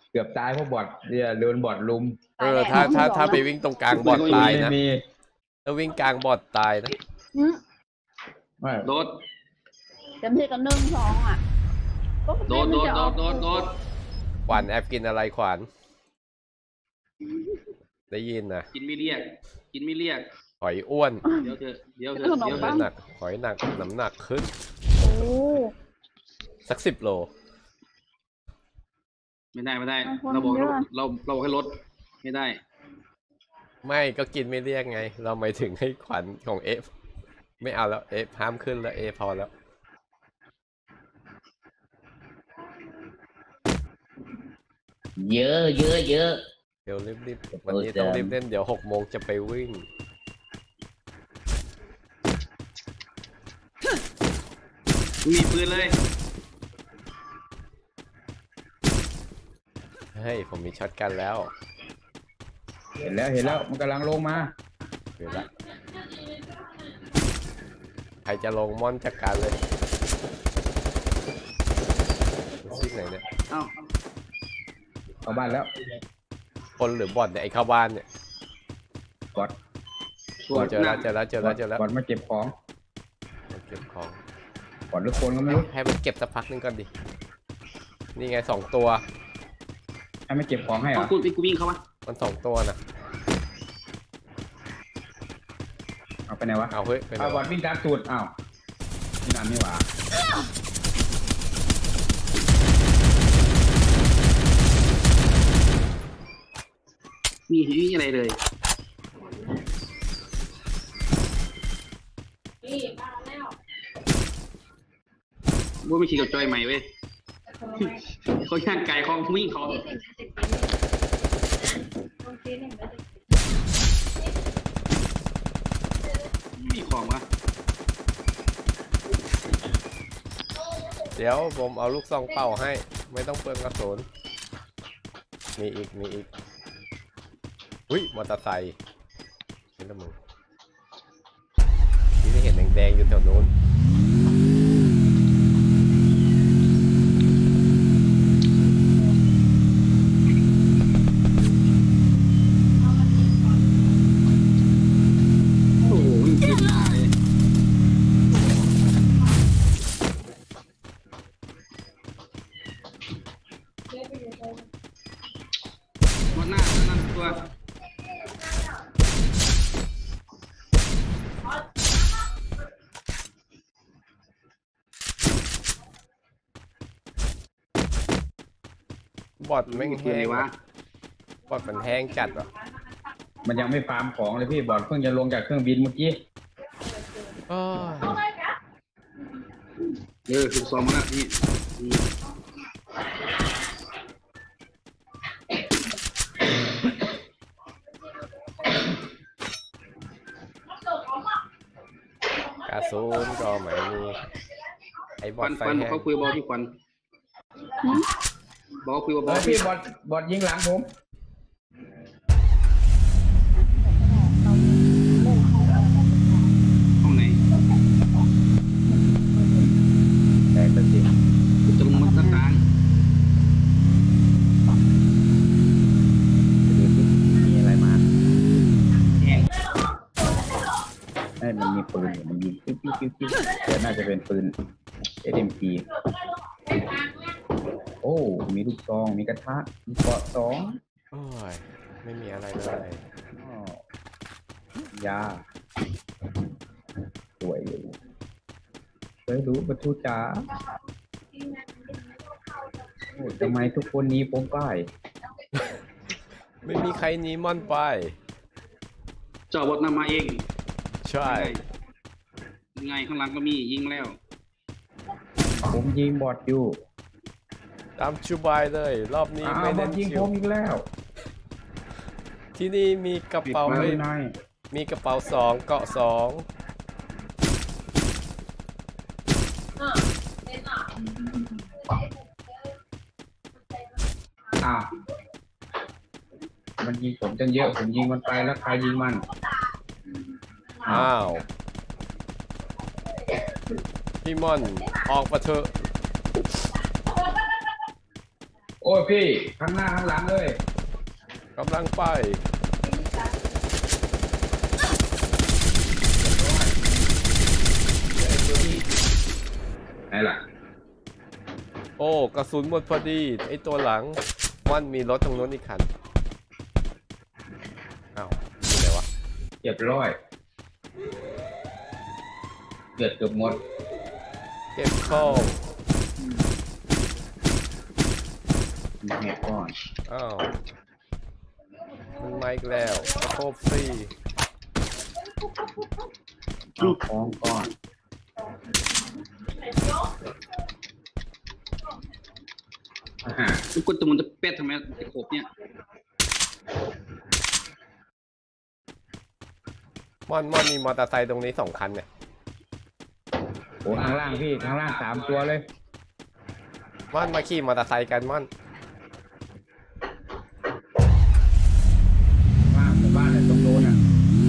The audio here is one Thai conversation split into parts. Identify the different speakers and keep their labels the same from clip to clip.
Speaker 1: เกือบตายเพราะบอทเนี่ยโดนบอทลุม
Speaker 2: ถ้าไปวิ่งตรงกลางบอทตายนะถ้าวิ่งกลางบอทตายนะ
Speaker 3: โดด
Speaker 4: เต็มที่กัน1-2อ่ะ
Speaker 3: โดด
Speaker 2: ขวานแอบกินอะไรขวานได้ยินนะ
Speaker 3: กินไม่เรียก
Speaker 2: หอยอ้วน
Speaker 3: เดี๋ยวเถอะ
Speaker 2: หนักหอยหนักน้ำหนักขึ้นสัก10 โล
Speaker 3: ไม่ได้เราบอกให้ลดไม่ได้
Speaker 2: ไม่ก็กินไม่เรียกไงเราหมายถึงให้ขวัญของเอฟไม่เอาแล้วเอฟห้ามขึ้นแล้วเอพอแล้ว
Speaker 1: เยอะเ
Speaker 2: ดี๋ยวรีบวันนี้ต้องรีบเล่นเดี๋ยว6 โมงจะไปวิ่ง
Speaker 3: มีปืนเลย
Speaker 2: เฮ้ยผมมีช็อตกันแล้ว
Speaker 1: เห็นแล้วมันกำลังลงมา
Speaker 2: เห็นแล้วใครจะลงม่อนจัดการเลยซิกไหนเนี่ย
Speaker 1: เข้าบ้านแล้ว
Speaker 2: คนหรือบอทเนี่ยไอ้เข้าบ้านเนี่ย
Speaker 1: บอท
Speaker 2: เจอแล้ว
Speaker 1: บอทมาเก็บของบอทหรือคนก็ไม่รู้
Speaker 2: ให้มันเก็บสักพักนึงก่อนดินี่ไง2 ตัว
Speaker 1: ให้มันเก็บของให้เหรอ
Speaker 3: กูวิ่งเข้ามา
Speaker 2: มัน2 ตัวน่ะ
Speaker 1: เอาไปไหนวะ
Speaker 2: เอาเฮ้ย
Speaker 1: เอาบอทวิ่งตามสูตรอ้าวนี่นานไม่หว่า
Speaker 3: มีอะไรเลยว่าไม่ขี่กับจอยใหม่เว้ยเขาย่างไก่ของวิ่งเขามีของวะ
Speaker 2: เดี๋ยวผมเอาลูกซองเป่าให้ไม่ต้องเปลืองกระสุนมีอีกอุ้ยมอเตอร์ไซค์เห็นแล้วมึงที่ได้เห็นแดงๆอยู่แถวโน้นบอทไม่แห้งวะบอทมันแห้งจัดวะ
Speaker 1: มันยังไม่ฟาร์มของเลยพี่บอทเพิ่งจะลงจากเครื่องบินเมื่อกี้
Speaker 3: ถูกซ้อมมาแล้วนี่
Speaker 2: กระสุนก็ไม่มีไอ้บอทไฟแห้ง
Speaker 3: เขาคุยบอลที่ควันบอกคุยบอล
Speaker 1: พี่บอทยิงหลังผม
Speaker 3: ห้องไหน
Speaker 1: แต่ตัดสิ
Speaker 3: ตรงมันต่าง
Speaker 1: มีอะไรมา
Speaker 3: แห้ง
Speaker 1: มันมีปืนมันยิงปิ๊บแต่น่าจะเป็นปืน SMG โอ้มีลูกซองมีกระทะมีเกาะ2
Speaker 2: โอ้ยไม่มีอะไรเลย
Speaker 1: ยาสวยอยู่เคยรู้ประตูจ๋าทำไมทุกคนหนีผมไป
Speaker 2: ไม่มีใครหนีม่อนไป
Speaker 3: จอบทนำมาเอง
Speaker 2: ใช่
Speaker 3: ไงข้างหลังก็มียิงแล้ว
Speaker 1: ผมยิงบอทอยู่
Speaker 2: ตามชูบายเลยรอบนี้ไม่เน้นชิว
Speaker 1: อีกแล้ว
Speaker 2: ที่นี่มีกระเป๋ามีกระเป๋า2เกาะ2
Speaker 1: มันยิงผมจนเยอะผมยิงมันไปแล้วใครยิงมัน
Speaker 2: อ้าวพี่ม่อนออกมาเถอะ
Speaker 1: โอ้ยพี่ข้างหน้าข้างหลังเลย
Speaker 2: กำลังไป
Speaker 1: ไหนล่ะ
Speaker 2: โอ้กระสุนหมดพอดีไอตัวหลังมันมีรถตรงโน้นอีกคันอ้าวอยู่ไหนวะ
Speaker 1: เรียบร้อยเกือบหมด
Speaker 2: เก็บข้อง
Speaker 1: มาแหกก่อน
Speaker 2: อ้าวมันมาอีกแล้วโคบซี่
Speaker 1: เอาของก่อนอ่า
Speaker 3: ทุกคนตัวมันจะเป็ดทำไมจะขบเนี่ย
Speaker 2: ม่อนมีมอเตอร์ไซค์ตรงนี้2 คันเนี่ย
Speaker 1: โอ้ข้างล่างพี่ข้างล่าง3 ตัวเลย
Speaker 2: ม่อนมาขี่มอเตอร์ไซค์กันม่อน
Speaker 1: บ้านเนี่ยตรงโน้นอ่ะ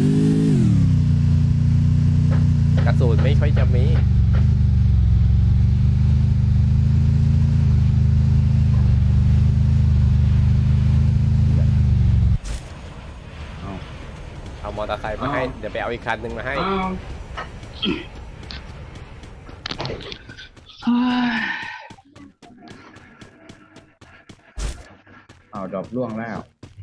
Speaker 2: กระสุนไม่ค่อยจะมีเอามอเตอร์ไซค์มาให้เดี๋ยวไปเอาอีกคันหนึ่งมาให้
Speaker 1: เอาดอกร่วงแล้ว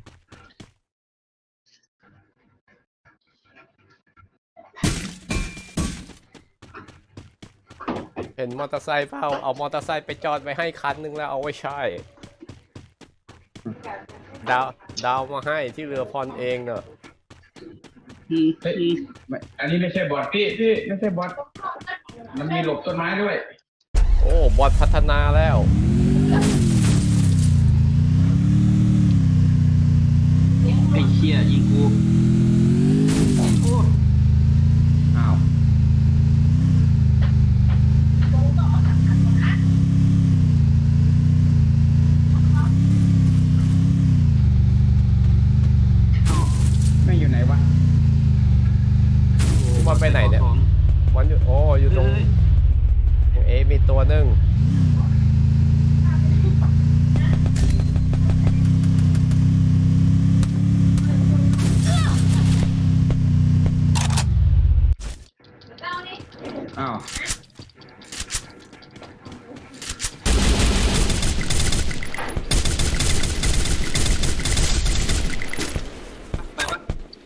Speaker 2: เห็นมอเตอร์ไซค์เปล่าเอามอเตอร์ไซค์ไปจอดไว้ให้คันหนึ่งแล้วเอาไว้ใช้ดาวมาให้ที่เรือพรเองเนอะ
Speaker 1: เฮ้ยไม่อันนี้ไม่ใช่บอทพี่ไม่ใช่บอทมันมีหลบต้นไม้ด้วย
Speaker 2: โอ้บอทพัฒนาแล้ว
Speaker 3: ไอ้เชี่ยยิงกูโอ้
Speaker 1: อ้าวไม่อยู่ไหนวะ
Speaker 2: มันไปไหนเนี่ยมันอยู่โอ้อยู่ตรงเอมีตัวหนึ่ง
Speaker 1: อ้าว
Speaker 3: ไปปะ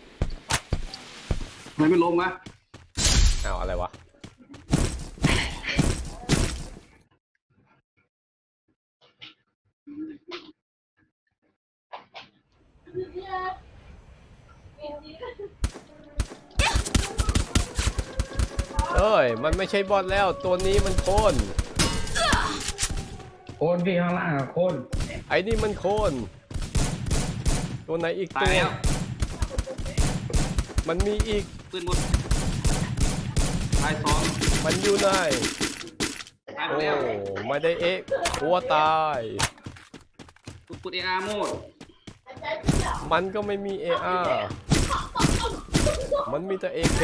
Speaker 3: ทำไมไม่ลงวะ
Speaker 2: อ้าวอะไรวะเอ้ยมันไม่ใช่บอทแล้วตัวนี้มันโคน
Speaker 1: โคนพี่ข้างล่างอะโคน
Speaker 2: ไอ้นี่มันโคนตัวไหนอีก
Speaker 3: ตา
Speaker 2: ตั
Speaker 3: ยว แล้ว
Speaker 2: มันมีอีก
Speaker 3: ปืนหมดตาย2
Speaker 2: มันอยู่ไหน
Speaker 3: ตายหม
Speaker 2: โอ้
Speaker 3: ดแล้ว
Speaker 2: ไม่ได้เอ๊ะหัวตาย
Speaker 3: กูกด AR โหมด
Speaker 2: มันก็ไม่มี AR มันมีแต่ AK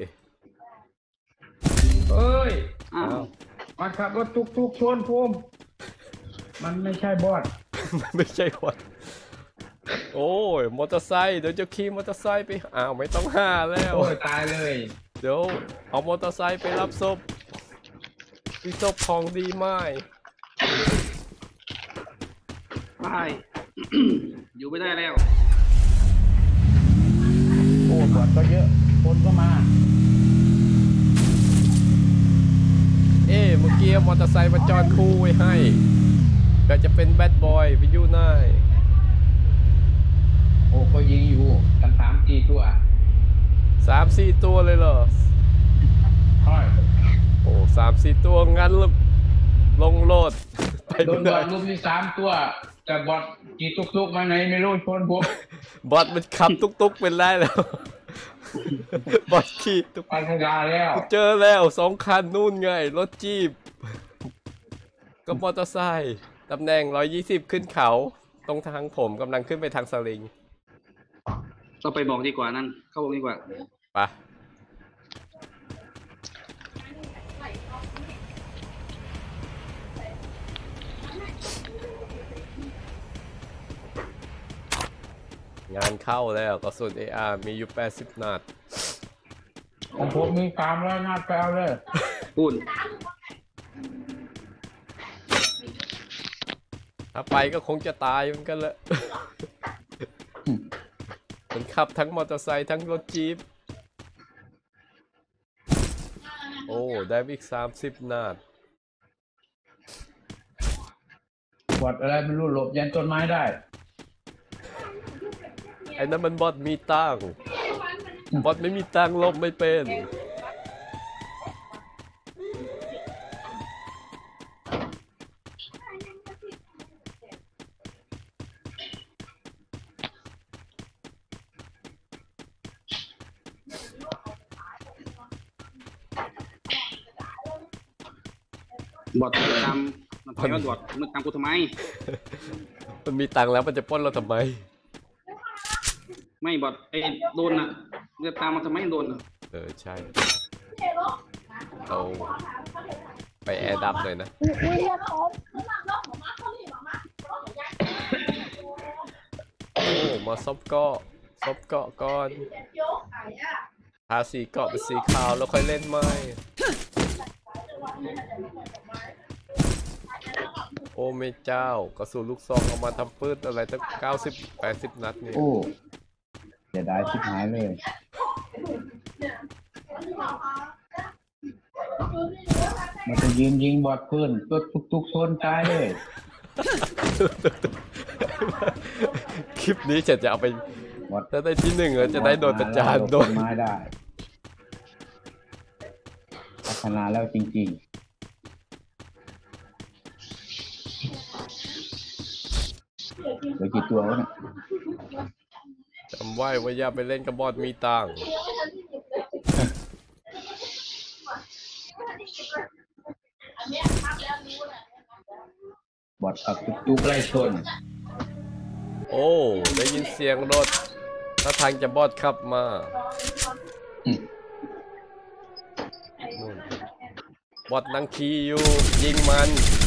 Speaker 1: เอ้ย
Speaker 3: อ้าว
Speaker 1: มาขับรถทุกชนภูมิมันไม่ใช่บอท
Speaker 2: มันไม่ใช่คนโอ้ยมอเตอร์ไซค์เดี๋ยวจะขี่มอเตอร์ไซค์ไปอ้าวไม่ต้องห้าแล้ว
Speaker 1: โอ้ยตายเลย
Speaker 2: เดี๋ยวเอามอเตอร์ไซค์ไปรับศพมีศพของดีไหม
Speaker 3: ไป อยู่ไม่ได้แล้ว
Speaker 1: โอ้บอทก็เยอะคนก็มา
Speaker 2: เอ๊ะเมื่อกี้มอเตอร์ไซค์มาจอดคู่ไว้ให้ก็จะเป็นแบดบอยไปอยู่ไหน
Speaker 1: โอ้ก็ยิงอยู่กัน3-4 ตัว
Speaker 2: 3-4 ตัวเลยเหรอ
Speaker 1: ใช่
Speaker 2: โอ้ 3-4 ตัวงั้นลงโลดไป
Speaker 1: โดน
Speaker 2: เล
Speaker 1: บอท
Speaker 2: ย
Speaker 1: ลุมที่3 ตัวแต่บอทกี่ตุกมาไหนไม่รู้ชนผม
Speaker 2: บอทมันขับตุ๊กเป็นได้แล้ว บอทขี่ตุ๊ก
Speaker 1: ปัญญาแล้ว
Speaker 2: เจอแล้ว2 คันนู่นไงรถจี๊ปก็มอเตอร์ไซค์ตำแหน่ง120ขึ้นเขาตรงทางผมกำลังขึ้นไปทางสลิง
Speaker 3: เราไปบอกดีกว่านั่นเข้าบอกดีกว่า
Speaker 2: ไปงานเข้าแล้วกระสุน AR มีอยู่80 นัด
Speaker 1: ของผมมี300 นัดไปเอาเลย
Speaker 3: พูด
Speaker 2: ถ้าไปก็คงจะตายเหมือนกันแหละ มันขับทั้งมอเตอร์ไซค์ทั้งรถจี๊ปโอ้ได้อีก30 นัด
Speaker 1: บอดอะไรไม่รู้หลบยันต้นไม้ได้
Speaker 2: ไอ้นั่นมันบอทมีตังค์บอทไม่มีตังค์ลบไม่เป็น
Speaker 3: บอดตามมันถอยมาบอดมึงตามกูทำไม
Speaker 2: มันมีตังค์แล้วมันจะปล้นเราทำไม
Speaker 3: ไม่บอดไอ้โดนน่ะเรียกตามมาทำไมโดนน่ะ
Speaker 2: ใช่เราไปแอร์ดับเลยนะ โอ้มาซบเกาะก่อนทาสีเกาะเป็นสีขาวแล้วค่อยเล่นไม้โอ้ไม่เจ้ากระสุนลูกซองเอามาทำปืนอะไรตั้ง90-80 นัดนี่
Speaker 1: โอ้เสียดายชิบหายเลย มันจะยืนยิงบอดเพื่อนก็ทุกโซนตายเลย
Speaker 2: คลิปนี้จะเอาไป
Speaker 1: บอด
Speaker 2: ถ้าได้ที่1จะได้โดนประจานโดน
Speaker 1: ไม้ได้พัฒนาแล้วจริงๆเหลือกี่ตัววะเนี่ย
Speaker 2: จำไว้ว่าอย่าไปเล่นกับบอทมีตังค์
Speaker 1: บอดขับตุกไล่ชน
Speaker 2: โอ้ได้ยินเสียงรถถ้าทางจะบอทขับมานู่นบอทนั่งขี่อยู่ยิงมัน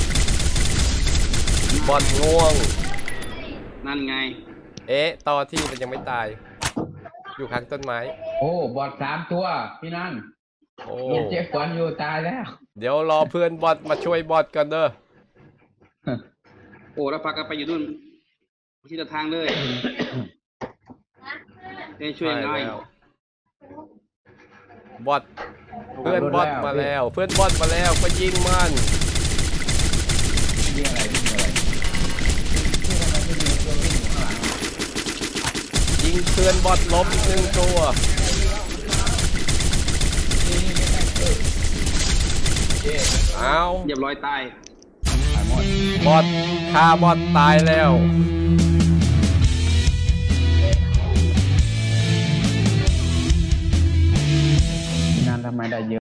Speaker 2: บอทง่วง
Speaker 3: นั่นไง
Speaker 2: ต่อที่มันยังไม่ตาย อยู่ข้างต้นไม้
Speaker 1: โอ้บอด3 ตัวพี่นั่น
Speaker 2: โอ้
Speaker 1: ลูกเจ๊ขวัญอยู่ตายแล้ว
Speaker 2: เดี๋ยวรอเพื่อนบอทมาช่วยบอทกันเด้อ
Speaker 3: โอ้แล้วพักกันไปอยู่นู่นที่ทางเลยได้ช่วยง่าย
Speaker 2: แล้วบอทเพื่อนบอทมาแล้ว เพื่อนบอทมาแล้วก็ยิงมัน
Speaker 1: ยิงอะไรยิงอะไร
Speaker 2: ยิงเพื่อนบอทล้มอีก1 ตัวเอา
Speaker 3: เรียบร้อยตาย
Speaker 1: หายหมด
Speaker 2: บอทฆ่าบอทตายแล้ว